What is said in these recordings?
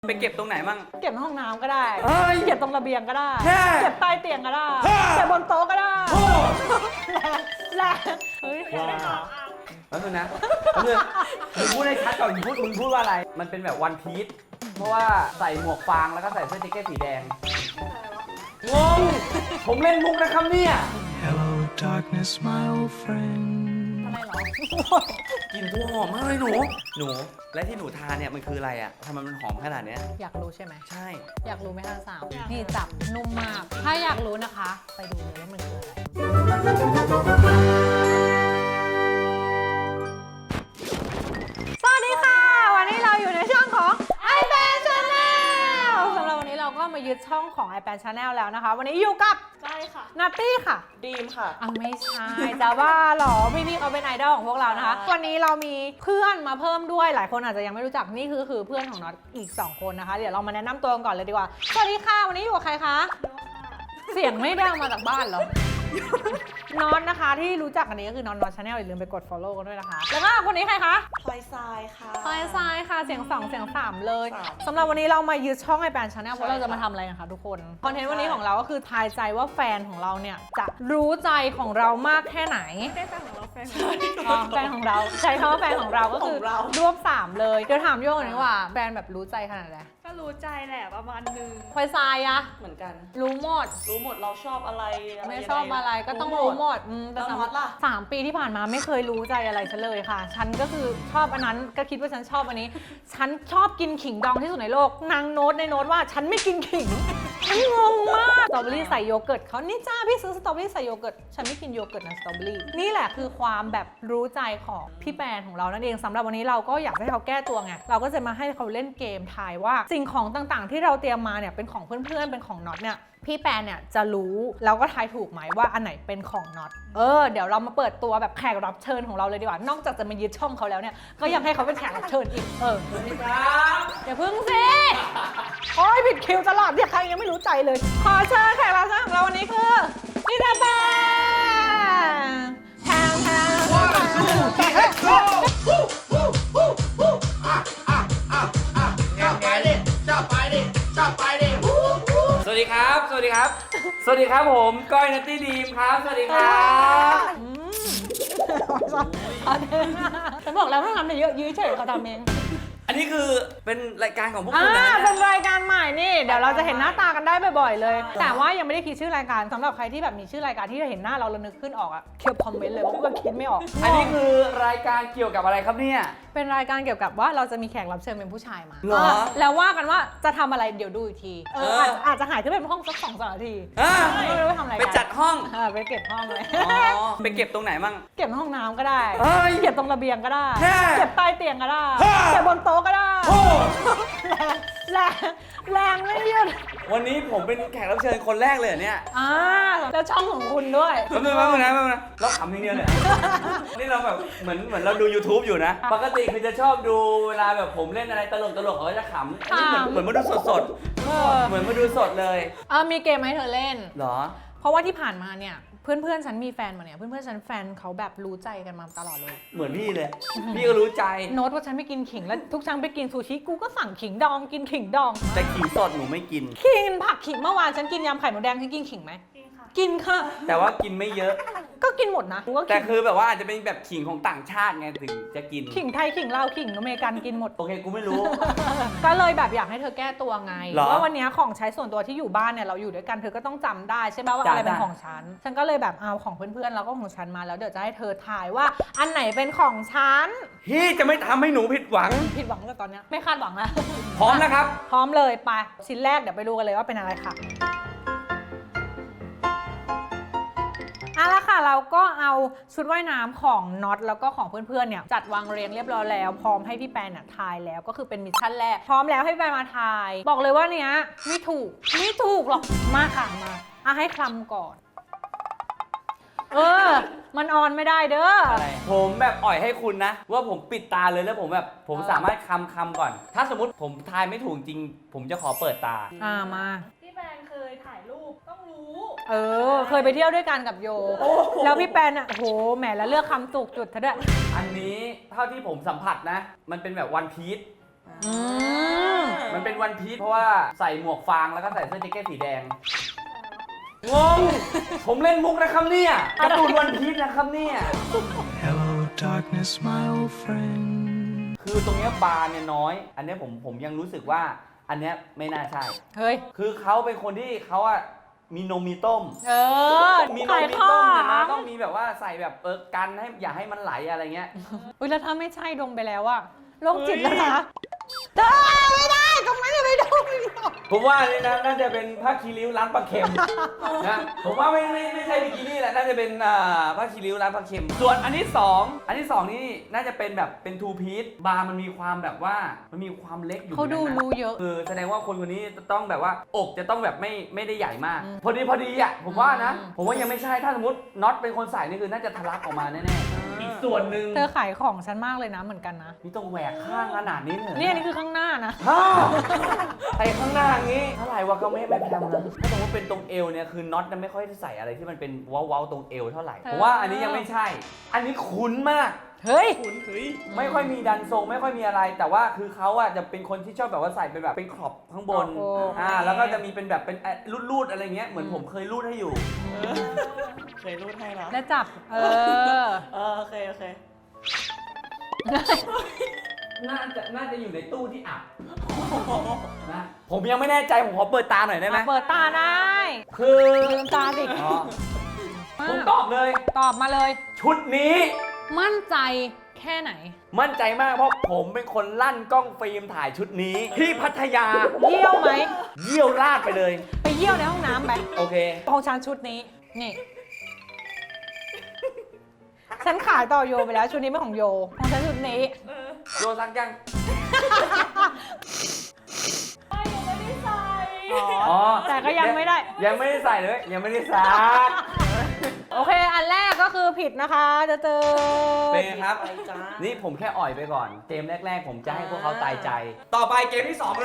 ไปเก็บตรงไหนมั่งเก็บในห้องน้ำก็ได้เก็บตรงระเบียงก็ได้เก็บใต้เตียงก็ได้เก็บบนโต๊ะก็ได้แรงเฮ้ยแล้วนึงนะมึงพูดให้ชัดก่อนมึงพูดว่าอะไรมันเป็นแบบวันพีชเพราะว่าใส่หมวกฟางแล้วก็ใส่เสื้อแจ็คเก็ตสีแดงงงผมเล่นมุกนะครับเนี่ย Hello darkness my old friend ทำไมหรอกลิ่นตัวหอมมากเลยหนูและที่หนูทานเนี่ยมันคืออะไรอ่ะทำไมมันหอมขนาดเนี้ยอยากรู้ใช่ไหมใช่อยากรู้ไหมคะสาวนี่จับนุ่มมากถ้าอยากรู้นะคะไปดูเลยว่ามันคืออะไรสวัสดีค่ะวันนี้เราอยู่ในช่องของ iPad Channel สำหรับวันนี้เราก็มายึดช่องของ iPad Channel แล้วนะคะวันนี้อยู่กับใช่ค่ะนัตตี้ค่ะดีมค่ะไม่ใช่จะว่าหรอพี่เขาเป็นไอดอลของพวกเรานะคะวันนี้เรามีเพื่อนมาเพิ่มด้วยหลายคนอาจจะยังไม่รู้จักนี่คือเพื่อนของน็อตอีก2คนนะคะเดี๋ยวเรามาแนะนำตัวกันก่อนเลยดีกว่าสวัสดีค่ะวันนี้อยู่กับใครคะเสียงไม่ดังมาจากบ้านเหรอ น็อตนะคะที่รู้จักกันนี้ก็คือน็อตชาแนลอย่าลืมไปกด follow กันด้วยนะคะแล้วก็คนนี้ใครคะพลอยทรายค่ะพลอยทรายค่ะเสียง2เสียง3เลยสำหรับวันนี้เรามายึดช่องiPad Channel เพราะเราจะมาทำอะไรกันคะทุกคนคอนเทนต์วันนี้ของเราก็คือทายใจว่าแฟนของเราเนี่ยจะรู้ใจของเรามากแค่ไหนได้แฟนของเราแฟนแฟนของเราใช้คำว่าแฟนของเราก็คือรวบ3เลยเดี๋ยวถามโยงหน่อยว่าแฟนแบบรู้ใจขนาดไหนก็รู้ใจแหละประมาณนึงพลอยทรายอะเหมือนกันรู้หมดเราชอบอะไรไม่ชอบอะไรก็ต้องรู้หมดแต่สำหรับ 3 ปีที่ผ่านมาไม่เคยรู้ใจอะไรฉันเลยค่ะฉันก็คือชอบอันนั้นก็คิดว่าฉันชอบอันนี้ฉันชอบกินขิงดองที่สุดในโลกนางโน้ตในโน้ตว่าฉันไม่กินขิงฉันงงมากสตรอเบอรี่ใส่โยเกิร์ตเขานี่จ้าพี่ซื้อสตรอเบอรี่ใส่โยเกิร์ตฉันไม่กินโยเกิร์ตนะสตรอเบอรี่นี่แหละคือความแบบรู้ใจของพี่แปนของเรานั่นเองสำหรับวันนี้เราก็อยากให้เขาแก้ตัวไงเราก็จะมาให้เขาเล่นเกมทายว่าสิ่งของต่างๆที่เราเตรียมมาเนี่ยเป็นของเพื่อนๆเป็นของน็อตเนี่ยพี่แปนเนี่ยจะรู้แล้วก็ทายถูกไหมว่าอันไหนเป็นของน็อตเดี๋ยวเรามาเปิดตัวแบบแขกรับเชิญของเราเลยดีกว่านอกจากจะมายึดช่องเขาแล้วเนี่ยก็ยังให้เขาเป็นแขกรับเชิญอีกสวัสดีครับอย่าพึ่งสิโอ้ยผิดคิวตลอดเนี่ยใครยังไม่รู้ใจเลยขอเชิญแขกรับเชิญของเราวันนี้คือพี่แปนแทงสวัสดีครับผมก้อยนัตตี้ดีมครับสวัสดีครับฉันบอกแล้วต้องทำเยอะยื้อเฉยเขาทำเองอันนี้คือเป็นรายการของพวกคุณนะเป็นรายการใหม่นี่เดี๋ยวเราจะเห็นหน้าตากันได้บ่อยๆเลยแต่ว่ายังไม่ได้คิดชื่อรายการสำหรับใครที่แบบมีชื่อรายการที่จะเห็นหน้าเราแล้วนึกขึ้นออกอะเขียนคอมเมนต์เลยว่าเพื่อนคิดไม่ออกอันนี้คือรายการเกี่ยวกับอะไรครับเนี่ยเป็นรายการเกี่ยวกับว่าเราจะมีแขกรับเชิญเป็นผู้ชายมาเหรอแล้วว่ากันว่าจะทำอะไรเดี๋ยวดูอีกทีอาจจะหายขึ้นเป็นห้องสัก2-3 นาทีไม่รู้ว่าทำอะไรไปจัดห้องไปเก็บห้องเลยไปเก็บตรงไหนมั่งเก็บห้องน้ำก็ได้เก็บตรงระเบียงก็ได้เก็บใต้เตียงก็ได้เก็บบนโต๊ะก็ได้แรงไม่หยุดวันนี้ผมเป็นแขกรับเชิญคนแรกเลยเนี่ยแล้วช่องของคุณด้วยแป๊บนึงเราขำอย่างเดียวเลยนี่เราแบบเหมือนเราดู YouTube อยู่นะปกติคือจะชอบดูเวลาแบบผมเล่นอะไรตลกเขาก็จะขำอันนี้เหมือนมาดูสดเหมือนมาดูสดเลยมีเกมให้เธอเล่นเหรอเพราะว่าที่ผ่านมาเนี่ยเพื่อนฉันมีแฟนมาเนี่ยเพื่อนฉันแฟนเขาแบบรู้ใจกันมาตลอดเลยเหมือนพี่เลยพี่ก็รู้ใจโน้ตว่าฉันไม่กินขิงแล้วทุกครั้งไปกินซูชิกูก็สั่งขิงดองกินขิงดองแต่ขิงสดหนูไม่กินขิงผักขิงเมื่อวานฉันกินยำไข่หมูแดงฉันกินขิงไหมกินค่ะแต่ว่ากินไม่เยอะก็กินหมดนะแต่คือแบบว่าอาจจะเป็นแบบขิงของต่างชาติไงถึงจะกินขิงไทยขิงลาวขิงอเมริกันกินหมดโอเคกูไม่รู้ก็เลยแบบอยากให้เธอแก้ตัวไงว่าวันนี้ของใช้ส่วนตัวที่อยู่บ้านเนี่ยเราอยู่ด้วยกันเธอก็ต้องจำได้ใช่ไหมว่าอะไรเป็นของฉันก็เลยแบบเอาของเพื่อนๆแล้วก็ของฉันมาแล้วเดี๋ยวจะให้เธอทายว่าอันไหนเป็นของฉันพี่จะไม่ทำให้หนูผิดหวังแต่ตอนนี้ไม่คาดหวังแล้วพร้อมนะครับพร้อมเลยไปชิ้นแรกเดี๋ยวไปดูกันเลยว่าเป็นอะไรค่ะแล้วค่ะเราก็เอาชุดว่ายน้ำของน็อตแล้วก็ของเพื่อนๆเนี่ยจัดวางเรียงเรียบร้อยแล้วพร้อมให้พี่แปนทายแล้วก็คือเป็นมิชชั่นแรกพร้อมแล้วให้พี่แปนมาทายบอกเลยว่าเนี้ยไม่ถูกหรอกมาค่ะมาให้คลำก่อนมันออนไม่ได้เด้อผมแบบอ่อยให้คุณนะว่าผมปิดตาเลยแล้วผมสามารถคำก่อนถ้าสมมติผมทายไม่ถูกจริงผมจะขอเปิดตามาพี่แปนเคยถ่ายรูปต้องรู้เคยไปเที่ยวด้วยกันกับโยแล้วพี่แปนโอ้โหแหมแล้วเลือกคำถูกจุดเธอด้วยอันนี้เท่าที่ผมสัมผัสนะมันเป็นแบบวันพีชมันเป็นวันพีชเพราะว่าใส่หมวกฟางแล้วก็ใส่เสื้อแจ็คเก็ตสีแดง งง ผมเล่นมุกนะครับเนี่ยการ์ตูนวันพีชนะครับเนี่ย Hello, darkness, my old friend. คือตรงเนี้ยบาร์เนี่ยน้อย อันเนี้ยผมยังรู้สึกว่าอันเนี้ยไม่น่าใช่เฮ้ยคือเขาเป็นคนที่เขาอะมีนมมีต้มเออมีนมขายมีข้อต้มเนี่ยนะต้องมีแบบว่าใส่แบบกันให้อย่าให้มันไหลอะไรเงี้ยอุ้ยแล้วถ้าไม่ใช่ดงไปแล้วอะโรคจิตแล้วนะเธอไม่ได้ตรงนั้นอย่าไปดูผมว่านี่นะน่าจะเป็นผ้าคีริ้วร้านปลาเค็มนะผมว่าไม่ใช่บิกินี่แหละน่าจะเป็นผ้าคีริ้วร้านปลาเค็มส่วนอันที่สองนี่น่าจะเป็นแบบเป็นทูพีซบาร์มันมีความแบบว่ามันมีความเล็กอยู่เขาดูในนั้นนะรู้เยอะคือแสดงว่าคนคนนี้จะต้องแบบว่าอกจะต้องแบบไม่ได้ใหญ่มาก พอดีอ่ะผมว่านะ ผมว่ายังไม่ใช่ถ้าสมมติน็อตเป็นคนใส่นี่คือน่าจะทะลักออกมาแน่ๆอีกส่วนหนึ่งเธอขายของฉันมากเลยนะเหมือนกันนะนี่ต้องแหวกข้างขนาดนี้เลยนี่อันนี้คือข้างหน้านะฮ่าใส่ข้างหน้าอย่างงี้เท่าไหร่วะก็ไม่แพงนะถ้าสมมติเป็นตรงเอวเนี่ยคือน็อตไม่ค่อยได้ใส่อะไรที่มันเป็นเว้าๆตรงเอวเท่าไหร่ผมว่าอันนี้ยังไม่ใช่ อันนี้คุ้นมากเฮ้ยไม่ค่อยมีดันทรงไม่ค่อยมีอะไร แต่ว่าคือเขาอะจะเป็นคนที่ชอบแบบว่าใส่เป็นแบบเป็นขอบข้างบนโอ้แล้วก็จะมีเป็นแบบเป็นรูดๆอะไรเงี้ยเหมือนผมเคยรูดให้อยู่เคยรูดให้นะแล้วจับ เออโอเคโอเคน่าจะอยู่ในตู้ที่อับนะผมยังไม่แน่ใจผมขอเปิดตาหน่อยได้ไหมเปิดตาได้คือลืมตาสิอ๋อผมตอบเลยตอบมาเลยชุดนี้มั่นใจแค่ไหนมั่นใจมากเพราะผมเป็นคนลั่นกล้องฟิล์มถ่ายชุดนี้ ที่พัทยาเยี่ยวไหมเยี่ยวราดไปเลยไปเยี่ยวในห้องน้ำไปโอเคของฉันชุดนี้ นี่ ฉันขายต่อโยไปแล้วชุดนี้ไม่ของโย ของฉันชุดนี้โยซักยังไม่ยังไม่ได้ใส่อ๋อแต่ก็ยังไม่ได้ยังไม่ได้ใส่เลย ยังไม่ได้ซักโอเค อันแรกก็คือผิดนะคะจะเจอเป็นไงครับไปจ้านี่ผมแค่อ่อยไปก่อน เกมแรก ๆ ผมจะให้พวกเขาตายใจ ต่อไปเกมที่ 2 เลย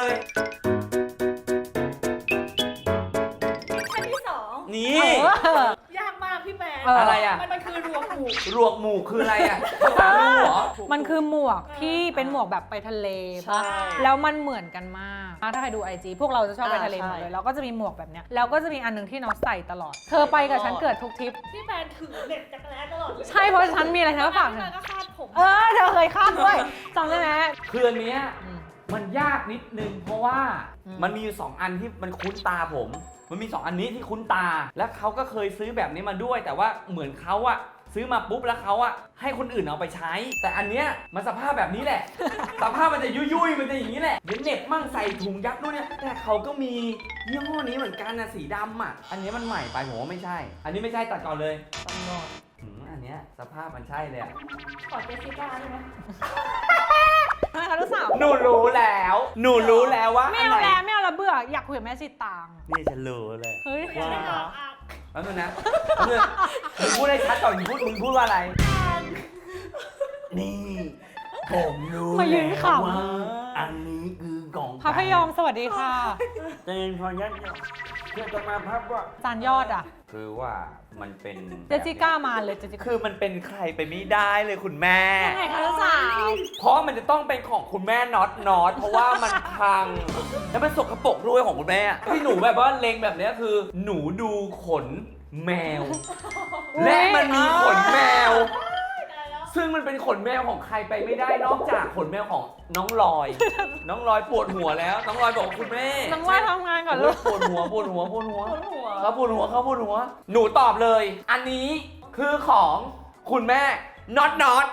ขั้นที่สองนี่ยากมากพี่แมนอะไรอ่ะมันคือรวมหมู่รวกหมู่คืออะไรอ่ะภาษาลูเหรอมันคือหมวกที่เป็นหมวกแบบไปทะเลปะแล้วมันเหมือนกันมากถ้าใครดู IG พวกเราจะชอบไปทะเลหมดเลยเราก็จะมีหมวกแบบเนี้ยแล้วก็จะมีอันหนึงที่น้องใส่ตลอด เธอไปกับฉันเกิดทุกทริปพี่แมนถือเน็ตจักรแร้ตลอดเลยใช่เพราะฉันมีอะไรฉันก็ฝากพี่แมนก็คาดผมเออเธอเคยข้ามด้วยจำได้ไหมคืออันเนี้ย มันยากนิดนึงเพราะว่าอืมมันมีอยู่2อันที่มันคุ้นตาผม มันมี2อันนี้ที่คุ้นตา และเขาก็เคยซื้อแบบนี้มาด้วย แต่ว่าเหมือนเขาอะซื้อมาปุ๊บแล้วเขาอะให้คนอื่นเอาไปใช้ แต่อันเนี้ยมันสภาพแบบนี้แหละ สภาพมันจะยุ่ยๆมันจะอย่างนี้แหละเดี๋ยวเหน็บมั่งใส่ถุงยัดด้วยเนี่ยแต่เขาก็มียี่ห้อนี้เหมือนกันนะสีดำอะอันนี้มันใหม่ไปผมว่าไม่ใช่ อันนี้ไม่ใช่ตัดก่อนเลยอันเนี้ยสภาพมันใช่เลยอะขอเจสสิก้าได้ไหมไม่ค่ะลูกสาวหนูรู้แล้ว หนูรู้แล้วว่าไม่อันเอาไหนแล้วไม่เอาแล้วเบื่ออยากคุยกับแม่สิตางนี่ฉันรู้เลยเฮ้ยไม่ได้อ่ะแป๊บนึงนะแป๊บนึงมึงพูดให้ชัดก่อนมึงพูดว่าอะไร นี่ ผมรู้มายืนแล้วขว่าอันนี้คือของำพระพยอมสวัสดีค่ะเจนพอยัดเพื่อจะมาพับว่าจานยอดอ่ะคือว่ามันเป็นเจสสิก้ามาเลยเจสสิก้าคือมันเป็นใครไปไม่ได้เลยคุณแม่ยังไงคะลูกสาวเพราะมันจะต้องเป็นของคุณแม่น็อตเพราะว่ามันพัง แล้วมันสกปรกด้วยของคุณแม่ที่หนูแบบว่าเลงแบบเนี้ยคือ หนูดูขนแมว และมันมีขนแมว ซึ่งมันเป็นขนแมวของใครไปไม่ได้นอกจากขนแมวของน้องลอย น้องลอยปวดหัวแล้ว น้องลอยบอกคุณแม่น้องว่าทำงานก่อนลูกปวดหัวเขาปวดหัวปวดหัวหนูตอบเลย อันนี้คือของคุณแม่น็อต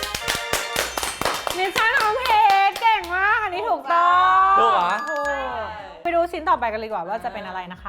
นิชชั่นของเพจเก่งมากอันนี้ถูกต้องถูกเหรอถูกไปดูชิ้นต่อไปกันเลยดีกว่าว่าจะเป็นอะไรนะคะ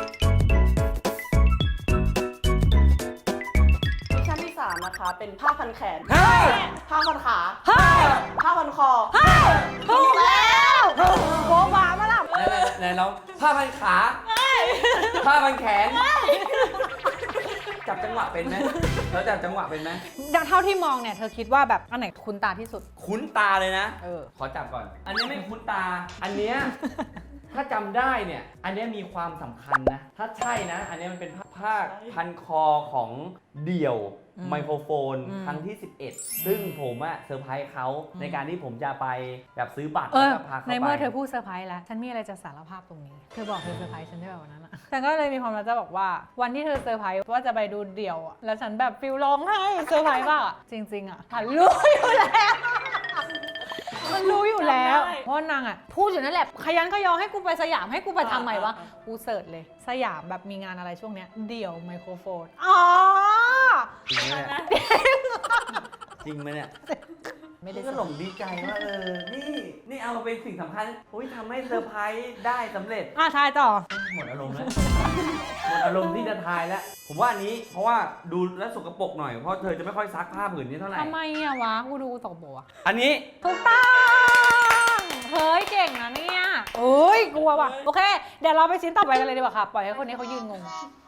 มิชชั่นที่ 3 นะคะ เป็นผ้าพันแขนเฮ้ยผ้าพันขาเฮ้ยผ้าพันคอถูกแล้วโบบามาล่ะไหนลองผ้าพันขาผ้าพันแขน จับจังหวะเป็นไหมแล้วจับจังหวะเป็นไหมดังเท่าที่มองเนี่ยเธอคิดว่าแบบอันไหนคุ้นตาที่สุดคุ้นตาเลยนะเออขอจับก่อน อันนี้ไม่คุ้นตา อันเนี้ยถ้าจำได้เนี่ยอันเนี้ยมีความสำคัญนะถ้าใช่นะอันเนี้ยมันเป็นผ้าพันคอของเดี่ยวไมโครโฟนครั้งที่ 11 ซึ่งผมอะเซอร์ไพรส์เขาในการที่ผมจะไปแบบซื้อบัตรแล้วก็พาเขาไปในเมื่อเธอพูดเซอร์ไพรส์แล้วฉันมีอะไรจะสารภาพตรงนี้เธอบอกเธอเซอร์ไพรส์ฉันได้แบบวันนั้นอะฉันก็เลยมีความรักจะบอกว่าวันที่เธอเซอร์ไพรส์ว่าจะไปดูเดี่ยวอะแล้วฉันแบบฟิลร้องไห้เซอร์ไพรส์ป่ะจริงๆอะฉันรู้อยู่แล้วมันรู้อยู่แล้วเพราะนางอะพูดอยู่นั่นแหละขยันขยอให้กูไปสยามให้กูไปทำไมวะกูเสิร์ชเลยสยามแบบมีงานอะไรช่วงเนี้ยเดี่ยวไมโครโฟนอ๋อจริงไหมเนี่ยจริงไหมเนี่ยไม่ได้ก็หลงดีใจว่านี่เอามาเป็นสิ่งสำคัญอุ้ยทำให้เซอร์ไพรส์ได้สำเร็จทายต่อหมดอารมณ์แล้ว หมดอารมณ์ที่จะทายแล้ว ผมว่าอันนี้เพราะว่าดูแลวสกปรกหน่อย เพราะเธอจะไม่ค่อยซักผ้าผืนนี้เท่าไหร่ทำไมอะวะกูดูตกโบอะอันนี้ถูกต้องเฮ้ยเก่งนะเนี่ยโอ้ยกลัวว่ะโอเคเดี๋ยวเราไปชิ้นต่อไปกันเลยดีกว่าค่ะปล่อยให้คนนี้เขายืนงง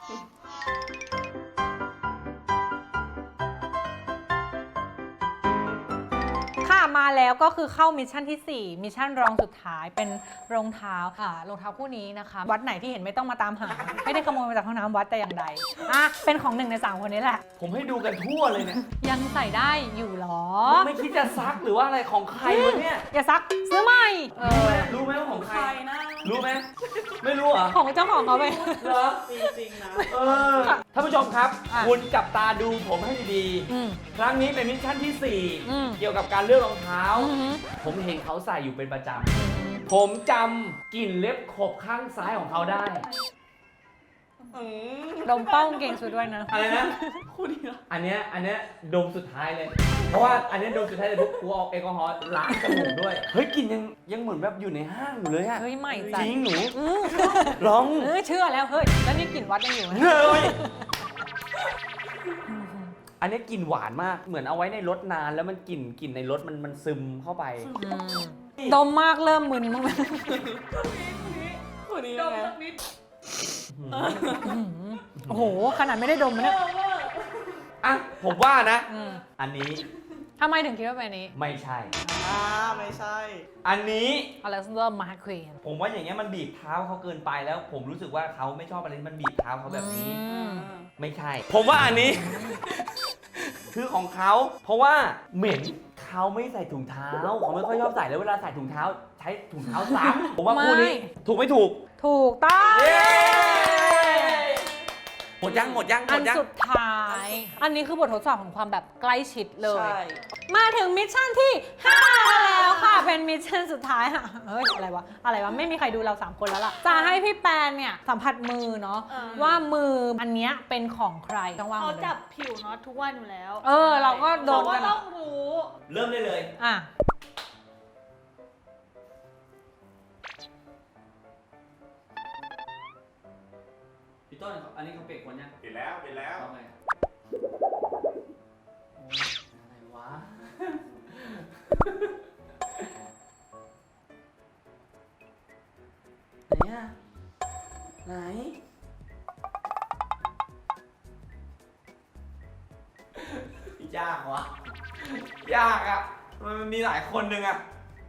ค่ะมาแล้วก็คือเข้ามิชชั่นที่ 4 มิชชั่นรองสุดท้ายเป็นรองเท้ารองเท้าคู่นี้นะคะ วัดไหนที่เห็นไม่ต้องมาตามหา ไม่ได้ขโมยมาจากห้องน้ำวัดแต่อย่างใดเป็นของ1 ใน 3 คนนี้แหละผมให้ดูกันทั่วเลยเนี่ยยังใส่ได้อยู่หรอไม่คิดจะซักหรือว่าอะไรของใครวะเนี่ยอย่าซักซื้อใหม่รู้ไหมว่าของใคใครรนะรู้ไหม ไม่รู้เหรอของเจ้าของเขาไปเหรอจริงๆนะท่านผู้ชมครับอ่ะคุณจับตาดูผมให้ดีอืมๆ ครั้งนี้เป็นมิชชั่นที่อืม 4 เกี่ยวกับการเลือกรองเท้าอือหือผมเห็นเขาใส่อยู่เป็นประจำ ผมจำกลิ่นเล็บขบข้างซ้ายของเขาได้ดมเป้าเก่งสุดด้วยนะอะไรนะคู่นี้เหรออันเนี้ยดมสุดท้ายเลย เพราะว่าอันเนี้ยดมสุดท้ายเลยทุกกูเอาแอลกอฮอล์ล้างจมูกด้วย เฮ้ยกลิ่นยังเหมือนแบบอยู่ในห้างอยู่เลยอะเฮ้ยใหม่จจัริงหนูอืมลองเชื่อแล้วเฮ้ยแล้วนี่กลิ่นวัดยังอยู่ไหมเฮ้ยอันเนี้ยกลิ่นหวานมาก เหมือนเอาไว้ในรถนานแล้วมันกลิ่นในรถมันซึมเข้าไปอืมดมมากเริ่มมึนมั้งไหมคู่นี้ดยังมไงสักนิดโอ้โหขนาดไม่ได้ดมมันเนี่ยอ่ะผมว่านะอืมอันนี้ทำไมถึงคิดว่าเป็นอันนี้ไม่ใช่ไม่ใช่อันนี้อเล็กซานเดอร์มาร์ควีนผมว่าอย่างเงี้ยมันบีบเท้าเขาเกินไปแล้ว ผมรู้สึกว่าเขาไม่ชอบอะไรที่มันบีบเท้าเขาแบบนี้ ไม่ใช่ ผมว่าอันนี้ คือของเขาเพราะว่าเหม็นเขาไม่ใส่ถุงเท้าเขาไม่ค่อยชอบใส่แล้วเวลาใส่ถุงเท้า ใช้ถุงเท้าซ้ำผมว่าคู่นี้ถูกไม่ถูกถูกต้องเย้หมดยังอันสุดท้าย อันนี้คือบททดสอบของความแบบใกล้ชิดเลยใช่มาถึงมิชชั่นที่5แล้วค่ะ เป็นมิชชั่นสุดท้ายค่ะเฮ้ยอะไรวะไม่มีใครดูเรา3คนแล้วล่ะจะให้พี่แปนเนี่ยสัมผัสมือเนาะว่ามืออันเนี้ยเป็นของใครต้องวางเขาหมดเลยจับผิวเนาะทุกวันอยู่แล้วเราก็โดนเขากัก็นต้องรู้เริ่มได้เลยอ่ะพี่ต้นอันนี้เขาเปลี่ยนคนยังปิดแล้วปิดแล้วเอาไงโอ้ยอะไรวะ ไหนอะไหน ยากวะ ยากอะมันมีหลายคนหนึ่งอะ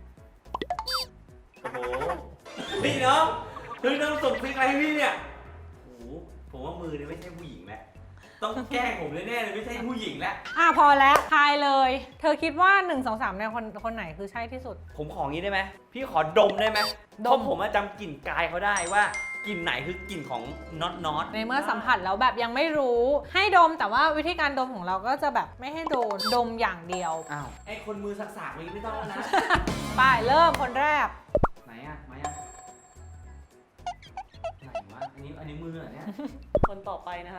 โอ้โหพี่น้องพี่น้องส่งซิกอะไรให้พี่เนี่ยโอ้โหผมว่ามือเนี่ยไม่ใช่ผู้หญิงแล้วต้องแกล้งผมแน่ๆเลยไม่ใช่ผู้หญิงแล้วพอแล้วทายเลย เธอคิดว่า 1 2 3เนี่ยคนไหนคือใช่ที่สุดผมของี้ได้ไหมพี่ขอดมได้ไหมดมเพราะผมจำกลิ่นกายเขาได้ว่ากลิ่นไหนคือกลิ่นของน็อตในเมื่อสัมผัสแล้วแบบยังไม่รู้ ให้ดมแต่ว่าวิธีการดมของเราก็จะแบบไม่ให้โดนดมอย่างเดียวอ้าวไอคนมือสักๆนี้ไม่ต้องแล้วนะไปเริ่มคนแรกไหนอะไหนอะไหนวะอันนี้มือเหรอเนี่ยคนต่อไปนะคะ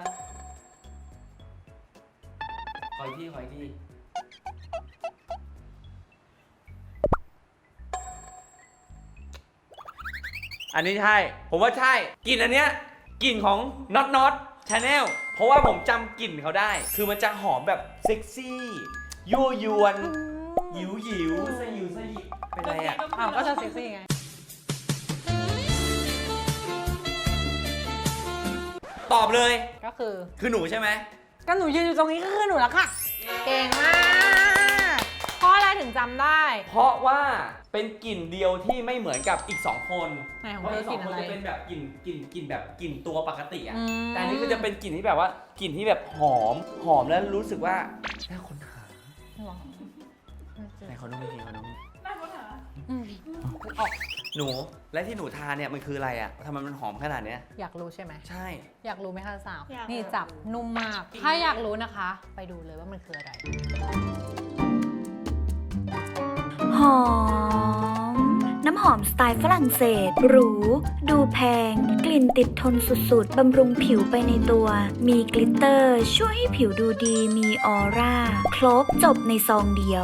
ขออีกทีอันนี้ใช่ ผมว่าใช่กลิ่นอันเนี้ยกลิ่นของน็อตชาแนลเพราะว่าผมจำกลิ่นเขาได้ คือมันจะหอมแบบเซ็กซี่ยั่วยวนหยิวสยิวสยิบเป็นไรอ่ะก็จะเซ็กซี่ไงตอบเลยก็คือคือหนูใช่ไหมก็หนูยืนอยู่ตรงนี้ก็คือหนูแล้วค่ะ เก่งมากเพราะอะไรถึงถึงจำได้เพราะว่าเป็นกลิ่นเดียวที่ไม่เหมือนกับอีก 2 คนไหนของเพราะเธอีอก กลิ่น 2 คนอะไรจะเป็นแบบกลิ่นแบบกลิ่นตัวปกติอ่ะอืมแต่อันนี้คือจะเป็นกลิ่นที่แบบว่ากลิ่นที่แบบหอมแล้วรู้สึกว่าน่าค้นหาหรอไหนเขาดูไม่ดีเขาดูน่าค้นหาอืมหนูและที่หนูทานเนี่ยมันคืออะไรอ่ะทำไมมันหอมขนาดเนี้ยอยากรู้ใช่ไหมใช่อยากรู้ไหมคะสาวอยากนี่จับนุ่มมาก ถ้าอยากรู้นะคะ ไปดูเลยว่ามันคืออะไรหอม น้ำหอมสไตล์ฝรั่งเศส หรู ดูแพง กลิ่นติดทนสุดๆ บำรุงผิวไปในตัว มีกลิตเตอร์ ช่วยให้ผิวดูดี มีออร่า ครบจบในซองเดียว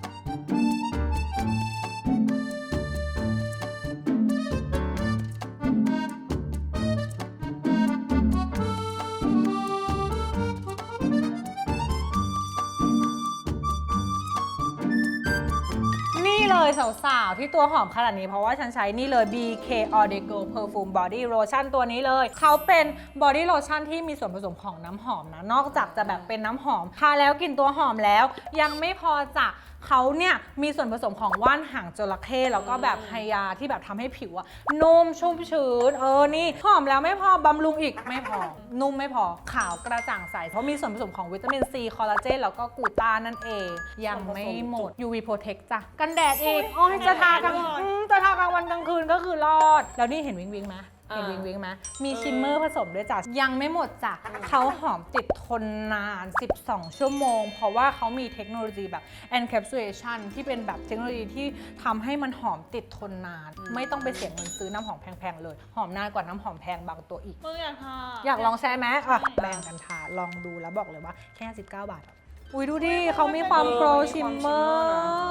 นี่เลยสาวๆ ที่ตัวหอมขนาดนี้เพราะว่าฉันใช้นี่เลย BK Ordeco Perfume Body Lotion ตัวนี้เลย เขาเป็น Body Lotion ที่มีส่วนผสมของน้ำหอมนะ นอกจากจะแบบเป็นน้ำหอมทาแล้วกลิ่นตัวหอมแล้ว ยังไม่พอจ้ะเขาเนี่ยมีส่วนผสมของว่านหางจระเข้แล้วก็แบบไฮยาที่แบบทำให้ผิวอะนุ่มชุ่มชื้นนี่หอมแล้วไม่พอบำรุงอีกไม่พอ นุ่มไม่พอขาวกระจ่างใสเพราะมีส่วนผสมของวิตามินซีคอลลาเจนแล้วก็กลูตานั่นเอง ยังไม่หมด UV Protect จ้ะกันแดดอีกโอ้ยจะทากลางจะทากลางวันกลางคืนก็คือรอด แล้วนี่เห็นวิงวิงไหมเห็นวิงวิงไหมมีชิมเมอร์ผสมด้วยจ้ะยังไม่หมดจ้ะเขาหอมติดทนนาน 12 ชั่วโมง เพราะว่าเขามีเทคโนโลยีแบบ encapsulation ที่เป็นแบบเทคโนโลยีที่ทำให้มันหอมติดทนนาน ไม่ต้องไปเสียเงินซื้อน้ำหอมแพงๆเลย หอมนานกว่าน้ำหอมแพงบางตัวอีกมึงอยากทาอยากลองใช้ไหมอ่ะแบ่งกันทาลองดูแล้วบอกเลยว่าแค่19 บาทอะอุ้ยดูดิเขามีความโกลชิมเมอร์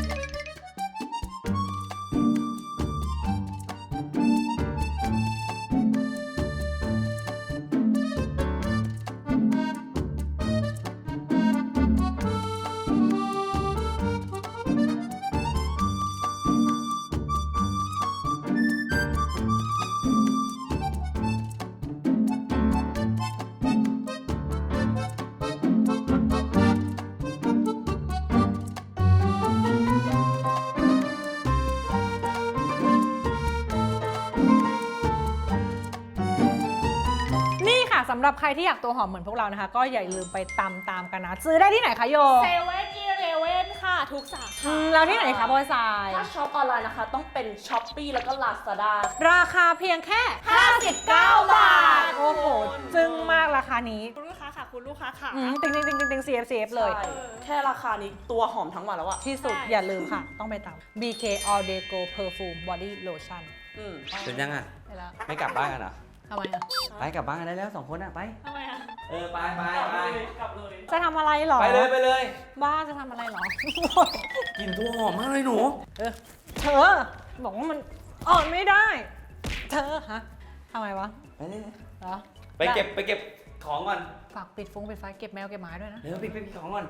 นี่ค่ะสำหรับใครที่อยากตัวหอมเหมือนพวกเรานะคะ ก็อย่าลืมไปตามกันนะ ซื้อได้ที่ไหนคะโยเซเว่นอีเลเว่นค่ะ ทุกสาขาแล้วที่ไหนคะบอยทรายถ้าช็อปออนไลน์นะคะ ต้องเป็น Shopee แล้วก็ Lazada ราคาเพียงแค่ 59 บาทโอ้โห จึ้งมากราคานี้คุณลูกค้าค่ะ คุณลูกค้าค่ะติง CF เลยใช่แค่ราคานี้ตัวหอมทั้งวันแล้วอะที่สุดใช่อย่าลืมค่ะ ต้องไปตาม BK Ordeco Perfume Body Lotion อืมเสร็จยังอ่ะไปแล้วไม่กลับบ้านกันเหรอทำไมอ่ะไปกลับบ้านกันได้แล้ว2 คนอ่ะไปทำไมอ่ะไปกลับเลยจะทำอะไรหรอไปเลยบ้าจะทำอะไรหรอกลิ่นตัวหอมมากเลยหนูเธอ บอกว่ามันอ่อนไม่ได้ เธอฮะทำไมวะไปเลยเหรอไปเก็บของก่อนฝากปิดฟงปิดไฟเก็บแมวเก็บหมาด้วยนะเร็วไปของก่อน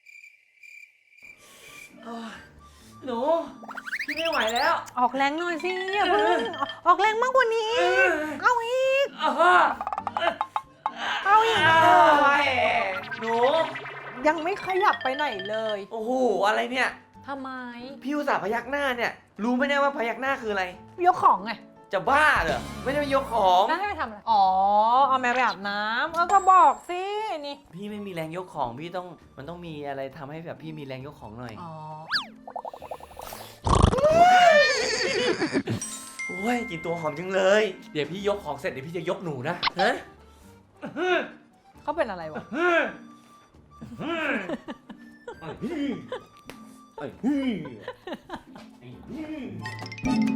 โอ้ยหนูพี่ไม่ไหวแล้วออกแรงหน่อยสิอย่าเพิ่งออกแรงมากกว่านี้อีกเอาอีก เอาอีกไปหนูยังไม่ขยับไปไหนเลยโอ้โหอะไรเนี่ยทำไมพี่อุตส่าห์พยักหน้าเนี่ย รู้ไหมเนี่ยว่าพยักหน้าคืออะไรยกของไงจะบ้าเหรอไม่ได้ไปยกของแล้วให้ไปทำอะไร อ๋อ เอาแมวไปอาบน้ำก็บอกสิ นี่พี่ไม่มีแรงยกของพี่ต้องมันต้องมีอะไรทำให้แบบพี่มีแรงยกของหน่อยอ๋อโอ้ยกินตัวหอมจังเลย เดี๋ยวพี่ยกของเสร็จเดี๋ยวพี่จะยกหนูนะฮะเขาเป็นอะไรวะไอ้